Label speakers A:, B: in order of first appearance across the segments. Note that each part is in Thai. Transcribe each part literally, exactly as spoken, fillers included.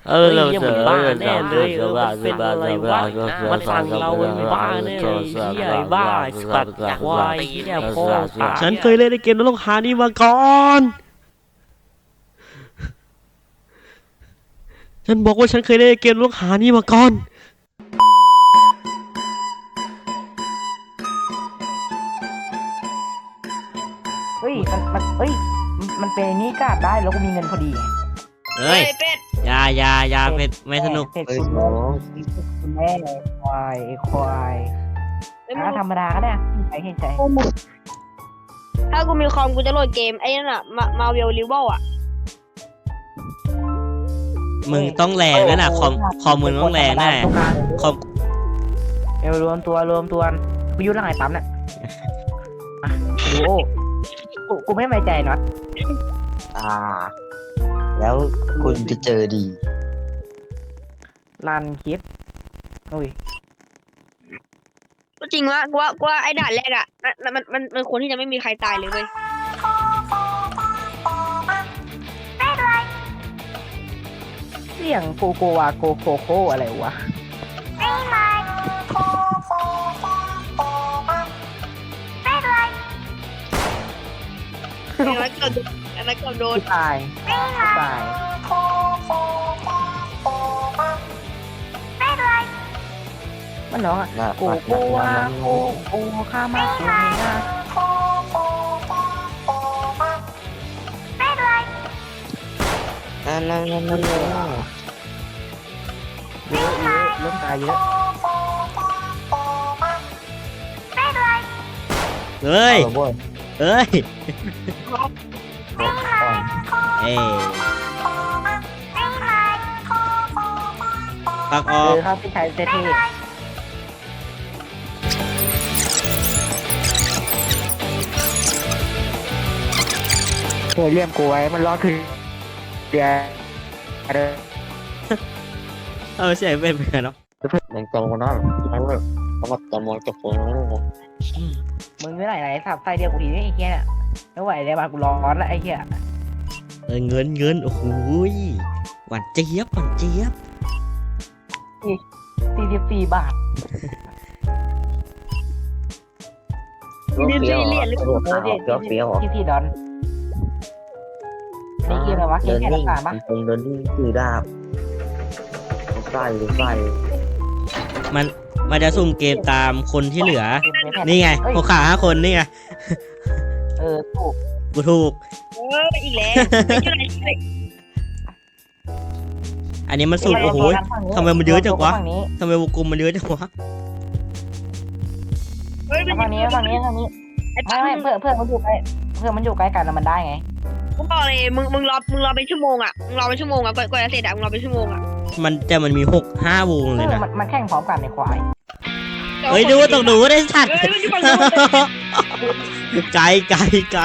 A: เออเราจะบ้าแน่เลยเออมันเป็นอะไรวะมันสั่งเราเป็นบ้าแน่เลยเฮียบ้าสัตว์ควายเฮียพ่อตายฉันเคยเล่นในเกมนรกหานี่มาก่อนฉันบอกว่าฉันเคยเล่นในเกมนรกหานี่มาก่อน
B: เฮ้ยมันมันเฮ้ยมันเป็นนี่กล้าได้แล้วก็มีเงินพอดี
A: เฮ้ยยายายาเป็ดไม่สนุก
B: เสร็จคุณแม่คุณแม่ควายควายถ้าธรรมดาก็ได้ใช้เห็นใจ
C: ถ้ากูมีคอมกูจะโหลดเกมไอ้นั่นอะมามาเวลลิเวลอะ
A: มึงต้องแรงนะน่ะคอมคอมมึงต้องแรงแน่คอม
B: เอวรวมตัวรวมตัวกูยุ่งเรื่องไอ้ปั๊มเนี่ยดูโอ้กูกูไม่ไว้ใจน็อต
D: อ่าแล้วคุณจะเจอดี
B: รันคลิปอุ้ย
C: ก็จริงวะกูว่ากูว่าไอ้ด่านแรกอะมันมันมันมันควรที่จะไม่มีใครตายเลยเว้ย
B: เสียงโกโกวาโกโคโคอะไรวะ
C: อันนั้นก็โดนอันนั้นก็โดน
B: ตายตายมันน้องอะโกโกวาโกโกข้ามาโกนะ
D: นั่นนั่นนั่นนั่น
B: เยอะเยอะเริ่มตายเยอะ
A: เฮ้ยเฮ้ยเอ้ปักออก
B: ครับพี่ชายเท่เคยเลี้ยงกูไว้มันรอดคือเดี๋ยวเด้อ
A: เออใช่เป็นเหมือนกันเนาะ
D: มันตรงกันได้ใช่ไหมเขามาตะมองจะฟ้อง
B: มึงไม่ไหนไหนสับไฟเดียวกูทีนี่ไอ้เหี้ยเนี่ยไม่ไหวเลยมากูร้อนแล้วไอ้เหี้ย
A: เออเงินเงินโอ้โหหวานเจี๊ยบหวานเจี๊ยบ
B: สี่สิบสี่บาท
C: เรียนเรียนเรียนหรือเปล่า
D: เฟี้ยวเฟี้ยว
B: ที่ที่ดอนนี่เกมอะไรวะเกมแค่ต่างๆปะ
D: ผมเดินนี่คือดาบใส่ใส่
A: มันมันจะสุ่มเกมตามคนที่เหลือนี่ไงพวกขาห้าคนนี่ไง
B: เออถูก
A: กูถูก
C: เอออีกแล้ว
A: อันนี้มันสุ่มโอ้โหทำไมมันเยอะจังวะทำไมวงกลมมันเยอะจังวะ
B: ฝั่งนี้ฝั่งนี้ฝั่งนี้ไม่ไม่เพื่อนเพื่อนมันอยู่ใกล้เพื่อนมันอยู่ใกล้กันแล้วมันได้ไง
C: กูบอกเลยมึงมึงรอมึงรอเป็นชั่วโมงอ่ะมึงรอเป็นชั่วโมงอ่ะก่อนก่อนจะเสร็จอ่ะมึงรอเป็นชั่วโมงอ่ะ
A: มันแต่มันมีหกห้าวงเลยนะ
B: มันแข่งพร้อมกันในควาย
A: เฮ้ยดูต้องดูได้สัตว์ไกลไกลไกล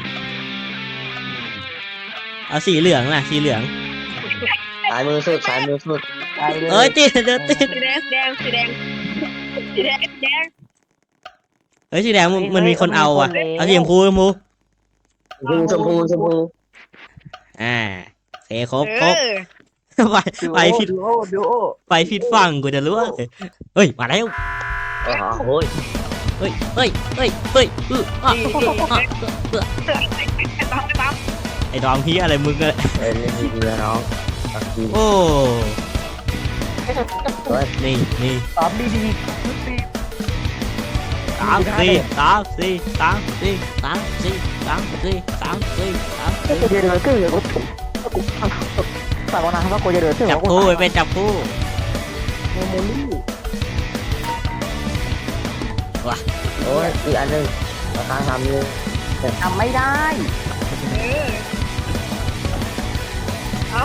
A: เอาสีเหลืองนะสีเหลือง
D: สายมือสุดสายมือสุด
A: เอ้ยติดเดินติด
C: สีแดงสีแดงสีแดงสีแดงสีแดง
A: เฮ้ยสีแดงมันมีคนเอาอ่ะเอาสีชมพูชมพู
D: ชมพูชมพู
A: อ่าเสครบครบไปไปผิดไปผิดฝั่งกูจะรู้เฮ้ยมาแล้ว
D: โอ้ย
A: เฮ้ยเฮ้ยเฮ้ยเฮ้ยเออไอ้ดอมพี่อะไรมึงเลย
D: เล่นดีๆนะน้อง
A: โอ้นี่นี่
B: ตอบดีดี
A: สามสี่สามสี่สามสี่สามสี่สามสี่สามสี่สามสี่
B: เดี๋ยวเดี๋ยวเดี๋ยวกูฝากวันนั้นว่ากูจะเดิน
A: จับคู่เป็นจับคู่
B: โมโมลี่
A: ว่ะ
D: โอ้ยอีกอันนึงราคาทำเลย
B: ทำไม่ได้
C: เอา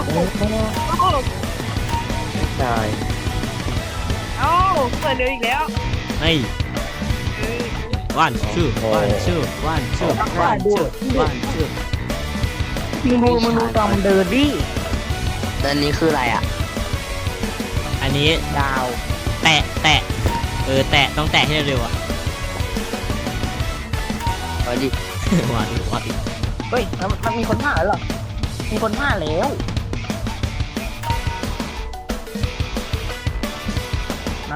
D: ใช่
C: เอาเปิดเร็วอีกแล้ว
A: เฮ้ยวันชื่อวันชื่อวันชื่อวันชื่อวันชื่อ
B: มึงดูมึงดูตอนมันเดินดิ
D: ตอนนี้คืออะไรอ่ะ
A: อันนี้
B: ดาว
A: แตะแตะเออแตะต้องแตะให้เร็วอ่ะ
D: วันดิ
A: วันวัน
B: เฮ้ยมันมีคนผ่านหรอมีคนผ่านแล้ว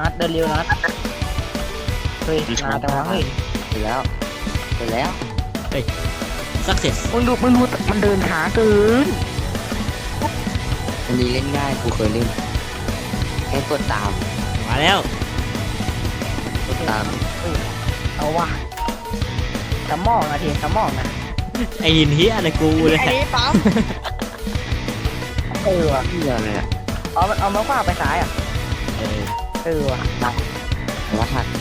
B: นัดเดินเร็วนัดเฮ้ยนานจังวะเฮ้ย
D: ไปแล้วไปแล้ว
A: สักเสร็จ
B: มึงดูมึงดูมันเดินช้าเกิน
D: อันนี้เล่นง่ายกูเคยเล่นแค่กดตาม
A: มาแล้ว
D: กดตาม
B: เอาว่ะสมองนะทีสมองนะ
A: ไอ้หินเฮียอะไรกูเลย
C: อันนี้ปั๊ม
B: เออว่ะ
D: เหี้ยเลยอะ
B: เอาเอามาขวาไปซ้ายอ่ะ
A: เออ
B: เออว่ะ
D: รหัส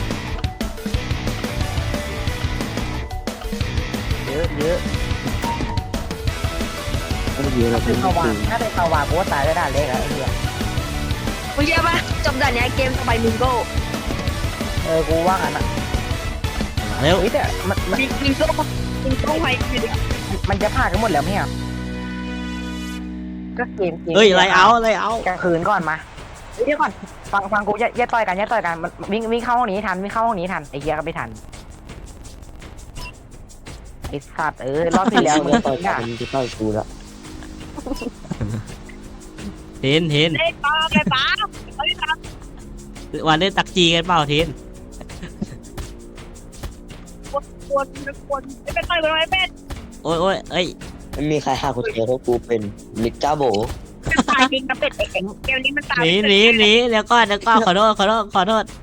B: เยอะเยอะ
D: ไม่เยอะเรา
B: คื
D: เป็
B: อน เขาวา
D: คื
B: ง
D: อ
B: ถ้าเป็นเขาวางกูว่าตายได้ด่านเล็กอะไอ้เหี้ย
C: มึงเชื่อปะจบด่านเนี้ยเกมสบายมิงโก้
B: เออกูว่างั้นอ่ะ
A: มาแล้ว
B: เฮ้ยแต่มันมัน
C: มิงมิงโก้มิงโก้ไว้อยู่เดียว
B: มันจะผ่านกันหมดแล้วไหมอ่ะก็เกมเกม
A: เฮ้ยไรเอาไรเอา
B: กลางคืนก่อนมาเดี๋ยวก่อนฟังฟังกูอย่าอย่าต่อยกันอย่าต่อยกันมันวิ่งวิ่งเข้าห้องนี้ทันวิ่งเข้าห้องนี้ทันไอ้เหี้ยก็ไม่ทันไอ้สัตว์เออรอบที่แล้ว
D: มึ
B: มึ
D: ง
B: ง
D: ต่อย
B: อ่ะ
D: มึงจะต่อยกูแล้ว
A: เทนเทน
C: ได้ปั๊มได้ปั๊มเอาดิปั๊ม
A: วันได้ตักจีกันเปล่าเทน
C: กวนกวนไม่เป็นต่อยกันไว้เป็น
A: โอ้ยโอ้ยเอ้ย
D: ไม่มีใครหากูเจอเพราะกูเป็นนิกก้าโบ
C: เป็นตายจริงกับเป็ดเองเกมนี้มันตาย
A: หนีหนีหนีเดี๋ยวก่อนเดี๋ยวก่อนขอโทษขอโทษขอโทษ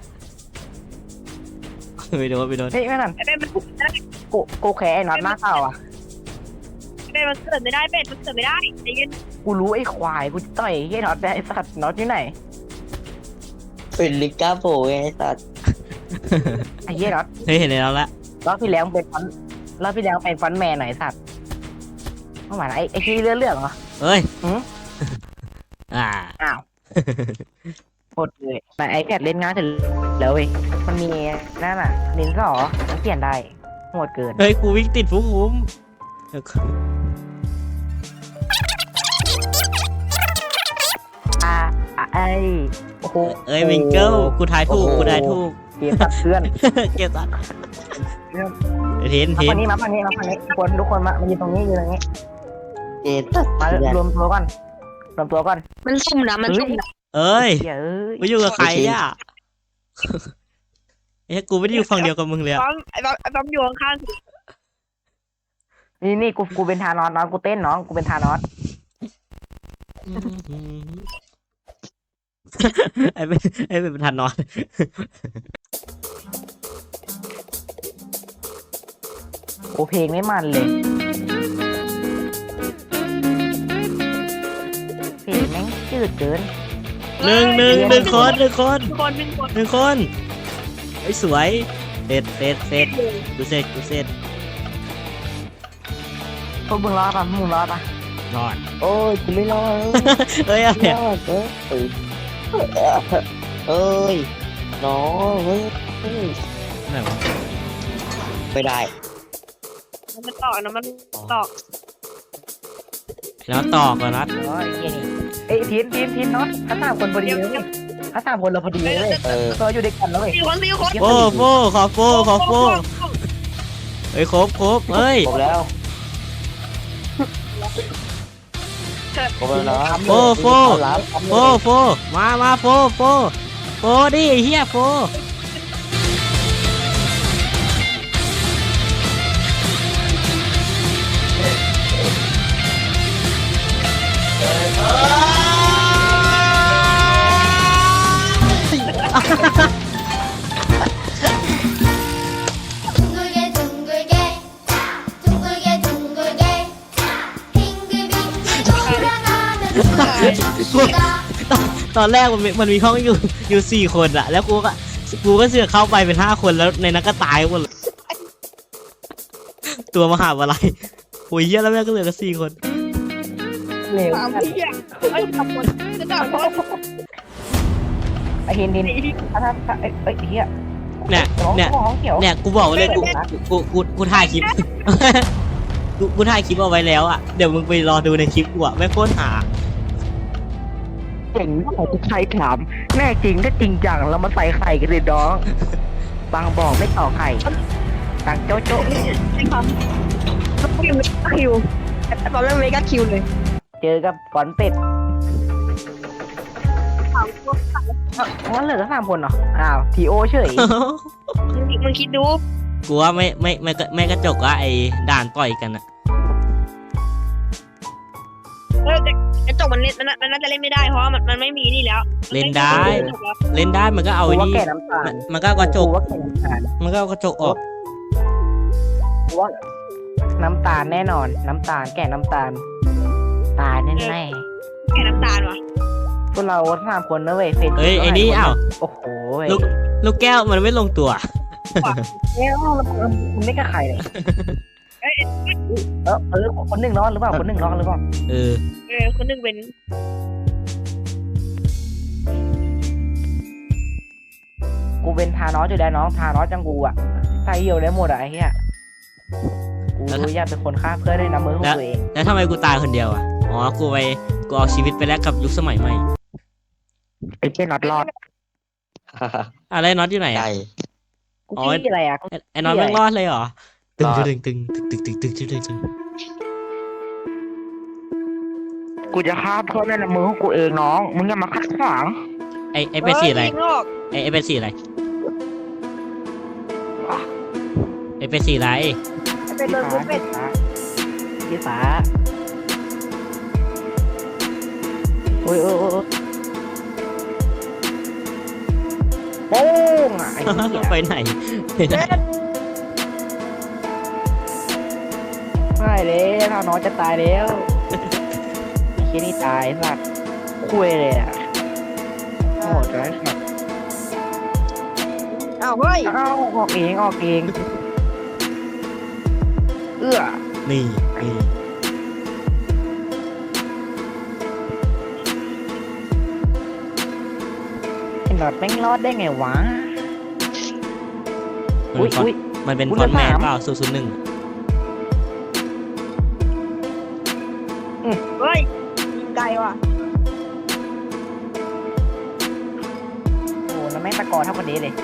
A: ไปโดนไปโดน
B: เฮ้ยไม่นั่น
C: ไอ้เป็ดมัน
B: กูกูแค่ไอ้น็อตมากเปล่าอ่ะ
C: เป็ดมันเกิดไม่ได้เป็ดมันเกิดไม่ได้ใจเย็น
B: กูรู้ไอ้ควายกูจะต่อยไอ้เหี้ยน็อตไปไอ้สัตว์น็อตอยู่ไหน
D: เป็นนิกก้าโบไงไอ้สัตว์
B: ไอ้เหี้ยน็อต
A: เฮ้ยเห็นแล้วละ
B: รอบที่แล้วมึงเป็นฟอนต์รอบที่แล้วเป็นฟอนต์แมนหน่อยไอ้สัตว์เมื่อวานไอ้ไอ้ที่เลื่อนเรื่องเหรอ
A: เฮ้ย
B: หืม
A: อ่า
B: อ้าวโคตรเลยแต่ไอแพดเล่นง่ายเสร็จแล้วเว้ยมันมีนั่นน่ะดินสอมันเปลี่ยนได้โหดเกิน
A: เฮ้ยกูวิ่งติดฟุ้งคุ้ม
B: อ่าอ่ะไอโอ้โห
A: เอ้ยวิงเกิลกูทายถูกกูทายถูก
B: เกมตัดเพื่อน
A: เก็บตัดเทน
B: มา
A: เท
B: ฝั่
A: น
B: งนี้มาฝั่งนี้มาฝั่งนี้ทุกคนทุกคนมามายืนตรงนี้ยืนตรงนี้
D: เกตัด
B: มารวมตัวก่อนรวมตัวก่อน
C: มันซุ่มนะมันซุ่มนะ
A: เอ้ย
B: เหี้ยเอ้ย
A: กูอยู่กับใครอ่ะเอ้ยกูไม่ได้อยู่ฝั่งเดียวกับมึงเลยอะ
C: ปั๊มไอ้ปั๊มไอ้ปั๊มอยู่ข้าง
B: นี่นี่กูกูเป็นทานอสน้องกูเต้นน้องกูเป็นทานอส
A: ไอ้เป็นไอ้เป็นประธานนอน
B: โอ้เพลงไม่มันเลยเพลงแม่งจืดเกิน
A: หนึ่งหนึ่งหนึ่งคนหนึ่งคน
C: คนหนึ่งคน
A: หนึ่งคนไอ้ยสวยเสร็จเสร็จเสร็จกูเสร็จกูเสร็จ
B: พวกมึงรอดปะมึงรอดปะ
A: นอน
D: โอ้ยกูไม่รอด
A: เอ้ยอะไร
D: ไม่ร
A: อะ
D: อดเอ้ยเอ้ยเอ้ยน้องเฮ้ยเฮ้ย
A: ไหนวะ
D: ไม่ได้
C: มันต่อนะมันต่อ
A: แล้วต่อก่อนนัด
B: โอ้ยเหี้ยนี่เอ้ยทีนทีนทีนน็อตถ้าสามคนพอดีเลยเว้ยถ้าสามคนเราพอดีเลยเว้ย
D: เออ
B: ตัวอยู่ด้วยกันแล้วเว้ย
C: สี่คนสี่คน
A: โฟโฟขอโฟขอโฟเฮ้ยครบครบเฮ้ย
D: ครบแล้วครบแล้วนะ
A: โฟโฟ
D: รับ
A: โฟโฟมามาโฟโฟโฟดิไอ้เฮียโฟตอนแรกมันมีมันมีห้องอยู่อยู่สี่คนอะแล้วกูก็กูก็เสือกเข้าไปเป็นห้าคนแล้วในนั้นก็ตายหมดเลยตัวมหาวิทยาลัยโอ้ยเหี้ยแล้วแม่งก็เหลือกันสี่คน
B: เร็ว
C: สามพี่อ่ะไอ้สามคนจะสามคน
B: ไอ้ทีนทีนถ้าถ้าถ้าเอ้ยเอ้ยเฮีย
A: เนี่ย
B: น้อง
A: เนี่ย
B: น้องเขียว
A: เนี่ยกูบอกไว้เลยกูกูกูกูถ่ายคลิป กูกูถ่ายคลิปเอาไว้แล้วอะเดี๋ยวมึงไปรอดูในคลิปกูอะไม่โคตรหา
B: เจ๋งของทุกใครถามแน่จริงถ้าจริงจังเรามาใส่ไข่กันเลยน้องบางบอกไม่ต่อไข่ต่างโจ๊ะโจ๊ะ
C: ไอ้ปั๊มคิวคิวไอ้ปั๊มเล่นเมกาคิวเลย
B: เจอกับก่อนเป็ด
C: สามคนสาม
B: งั้นเหลือแค่สามคนเหรออ้าวทีโอเฉย
C: มึงมึงคิดดู
A: กูว่าไม่ไม่ไม่ไม่กระจกว่าไอ้ด่านต่อยกันอะ
C: เออกระจกมันเล่นมันน่ามันน่าจะเล่นไม่ได้เพราะว่ามันมันไม่มีนี่แล้ว
A: เล่นได้
C: มันไม่มีกระจกแล้ว
A: เล่นได้มันก็เอา
B: กู
A: ไอ้
B: ว่า
A: นี่
B: แก่น้ำตา
A: มั
B: ล
A: นมันก็เอากระจก
B: กูว่าแก่น้ำตาล
A: มันก็เอากระจกออก
B: กูว่าน้ำตาลแน่นอน น้ำตาลแก่น้ำตาล ตายแน่แน่
C: แค่น้ำตาลวะ
B: ๆพวกเราสามคนนะเว้ยเฟน
A: เอ้ยไอ้นี่อ้าว
B: โอ้โหเว้ย
A: ลูกลูกแก้วมันไม่ลงตัว
B: เอ้ยคุณไม่กล้าใครเลยเออเออคนหนึ่งรอดหรือเปล่าคนหนึ่งรอดหรือเปล่า
A: เออ
C: เออคนหนึงเป็น
B: กูเป็นทานอสอยู่ได้น้องทานอสจังกูอ่ะใส่เหี่ยวได้หมดอ่ะไอ้เหี้ยกูอยากเป็นคนฆ่าเพื่อนด้วยน้ำมือของตัวเอง
A: แล้วทำไมกูตายคนเดียวอ่ะอ๋อกูไปกูเอาชีวิตไปแลกกับยุคสมัยใหม่
B: ไอ้เจ้าน็อตรอด
A: อะไรน็อตอยู่ไหน
D: ไก่
A: อ่ะ
B: กู
A: อ๋อ
B: ขี้อะไรอ่ะกู
A: ไอ้ไอ้น็อตแม่งรอดเลยเหรอตึง
D: รอด
A: ตึงตึงตึงตึงตึงตึงตึงตึง
B: กูจะฆ่าเพื่อนด้วยน้ำมือของกูเองน้องมึงอย่ามาขัดขวาง
A: ไอ้ไอ้เป็นสีอะไร
C: ยิงโลก
A: ไอ้ไอ้เป็นสีอะไรไอ้เป็นสีอะไร
C: เป็นเบอร์กูเป็น
B: ยี่ฟ้าโอ้ยโอ้ยโอ้ยโป้งอ่ะไอ้เหี้ย
A: ไปไหนไปไหน
B: ไม่เลยถ้าน้องจะตายแล้วไอ้เหี้ยนี่ตายสัตว์คุยเลยอ่ะโหดร้ายสัตว์
C: อ้าวเฮ้ย
B: เอ้าออกเองออกเองเอื้อ
A: นี่นี่
B: ไอ้หนอดแม่งรอดได้ไงวะ
A: มัน
B: อุ้ย
A: เป็นฟอน
B: อุ้ย
A: มันเป็น
B: อุ๊ย
A: ฟอนต์แมน
B: เหลือสาม
A: เปล่าศูนย์ศูนย์หนึ่ง
C: เฮ้ยยิงไกลว่ะ
B: โอ้แล้วแม่งตะกอเท่ากันเดเลย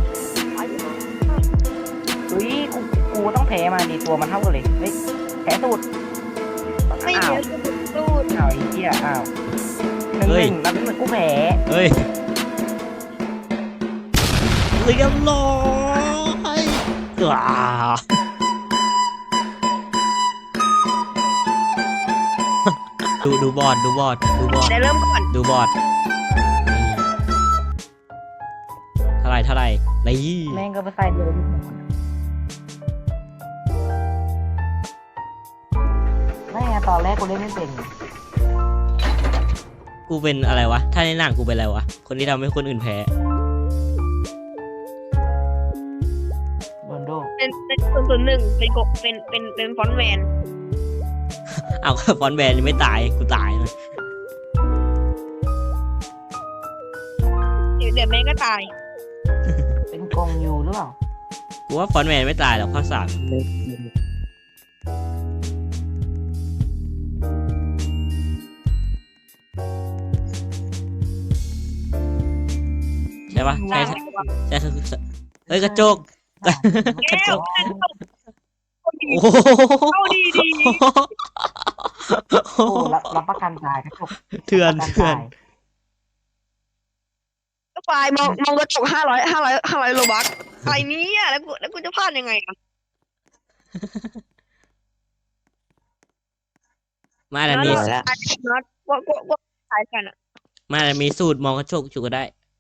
B: อุ้ยกูกูต้องแพ้มาดิตัวมันเท่ากันเลยเฮ้ยแพ้สูตร
C: ไม่
B: อ้า
C: เย
B: ว
C: อะสู้
B: อ้าวไอ้เหี้ยอ้าวหนึ่งหนึ่งแล้วเป็นกูแพ้
A: เฮ้ยเรียบร้อยว้าดูดูบอร์ดดูบอร์ดดูบอร์ด
C: ได้เริ่มก่อน
A: ดูบอร์ดนี่เท่าไหรเท่าไหรนี่
B: แม่งก็ไปใส่เดิมไม่ไงตอนแรกกูเล่นไม่เป็น
A: กูเป็นอะไรวะ ถ้าในหนังกูเป็นอะไรวะ คนที่ทำให้คนอื่นแพ้
B: โดนโด
C: เป็นเป็นศูนย์ศูนย์หนึ่งเป็นกบเป็นเป็นเป็นฟอนต์แมน
A: เอา ฟอนต์แบนยังไม่ตาย กูตายเลย
C: เดี๋ยวเดี๋ยวแม่งก็ตาย
B: เป็นกองยูหรือเปล่า
A: กูว่าฟอนต์แมนไม่ตายหรอกภาคสามใช่ปะใช่ใช่ใช่ใช่ใช่เฮ้ยกระจก กระ
C: แก้
A: จ
C: ว
A: ก
C: เข้าดี
A: โอ้โห
C: เข้าดีดี
B: โอ้รับรับประกันตายครับผม
A: เถื่อน
B: รับประ
A: เถื่
B: กั
A: อน
B: ตาย
C: ก็ไฟล์มองมองกระจกห้าร้อยห้าร้อยห้าร้อยโลบักอะไรเนี้อ่ะแล้วกูแล้วกูจะพลาดยังไงอ่ะ
A: มาแต่มี
D: แล้ว
C: น็อตว่าว่าว่าตายกันอ่ะ
A: มาแต่มีสูตรมองกระจกจุกก็ได้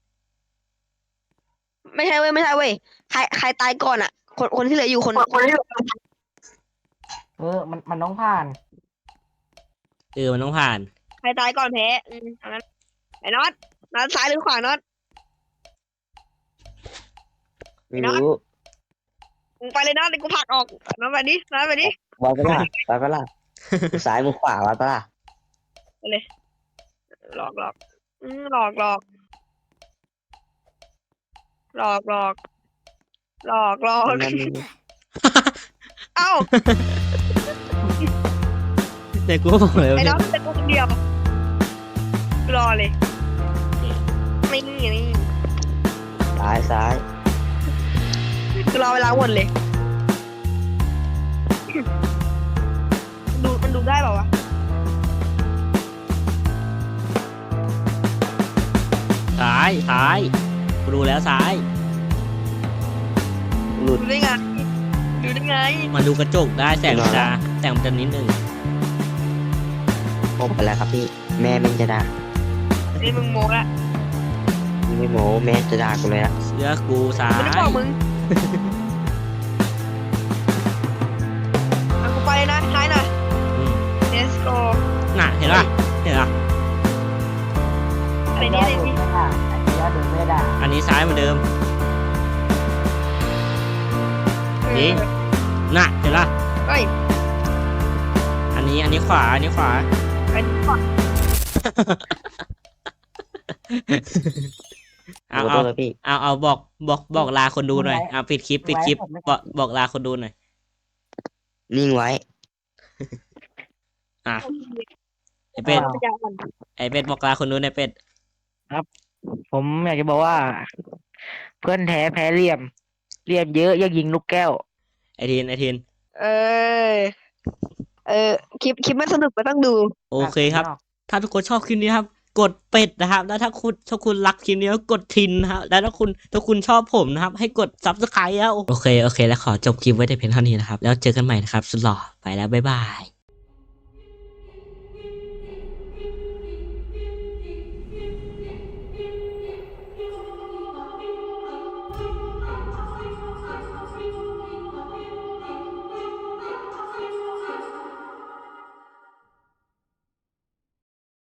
C: ไม่ใช่เว้ยไม่ใช่เว้ยใครใครตายก่อนอ่ะ คนคนที่เหลืออยู่คนคนที่เหลือ
B: เออมันมันต้องผ่าน
A: เออมันต้องผ่าน
C: ใครตายก่อนแพ้อืมเอางั้นไอ้น็อตน็อตซ้ายหรือขวาน็อต
D: ไม่รู้
C: มึงไปเลยน็อตเดี๋ยวกูผลักออกน็อตไปดิน็อตไปดิ
D: วางไปละไปไปละมือซ้ายมือขวาวางไปละ
C: หลอกหลอกอืมหลอกหลอกหลอกหลอกหลอกหลอก
D: นั่น
C: เอ้า
A: เด็กกูก็บอกเลย
C: ไอ้
A: ว่า
C: น็อตเป็นกูคนเดียวรอเลยไม่นี่นี่
D: ซ้ายซ้าย
C: กูรอเวลาวนเลยดูมันดูได้เปล่าวะ
A: ตายายซ้ายกูดูแล้วซ้าย
D: หลุด
C: ดูได้ไงดูได้ไง
A: มาดูกระจกได้แสงมันจะแสงมันจะนิดนึง
D: ผมไปแล้วครับพี่แม่แม่งจะด่า
C: นี่มึงโมละ
D: นี่ไม่โม้แม่จะด่ากูเลยอะ
A: เสื้อกูซ้า
C: กู
A: ย
C: ไม่บอกมึงเอากูไปนะท้ายหน่อย
A: อืม
C: let's go
A: น่ะเห็นป่ะเห็นป่ะ
C: อะไรเนี่ยอะไรนี่
B: ยอดเดินไม่ได้
A: อันนี้ซ้ายเหมือนเดิม นี่ น่ะเห็นป่ะ
C: เฮ้ย
A: อันนี้อันนี้ขวาอันนี้ขวา
C: อันนี้ก่อน
A: เอา
D: ขอโท
A: เอา
D: ษครับพี่
A: เอาเอาบอกบอกบอกลาคนดูหน่อยเอาปิดคลิปปิดคลิปบอกบอกลาคนดูหน่อย
D: นิ่งไว้
A: อ่ะไอเป็ด
C: ปัญญาอ่อน
A: ไอเป็ดบอกลาคนดูหน่อยเป็ด
B: ผมอยากจะบอกว่า เพื่อนแท้แพ้เหลี่ยมเหลี่ยมเยอะยังยิงลูกแก้ว
A: ไอทีนไอทีน
C: เออเออคลิปคลิปไม่สนุกก็ต้องดู
A: โอเคครับ ถ้าทุกคนชอบคลิปนี้ครับ กดเป็ดนะครับ แล้วถ้าคุณถ้าคุณรักคลิปนี้ก็กดทินนะครับแล้วถ้าคุณถ้าคุณชอบผมนะครับ ให้กดซับสไครต์แล้วโอเคโอเค แล้วขอจบคลิปไว้แต่เพียงเท่านี้นะครับ แล้วเจอกันใหม่นะครับ สุดหล่อไปแล้วบ๊ายบาย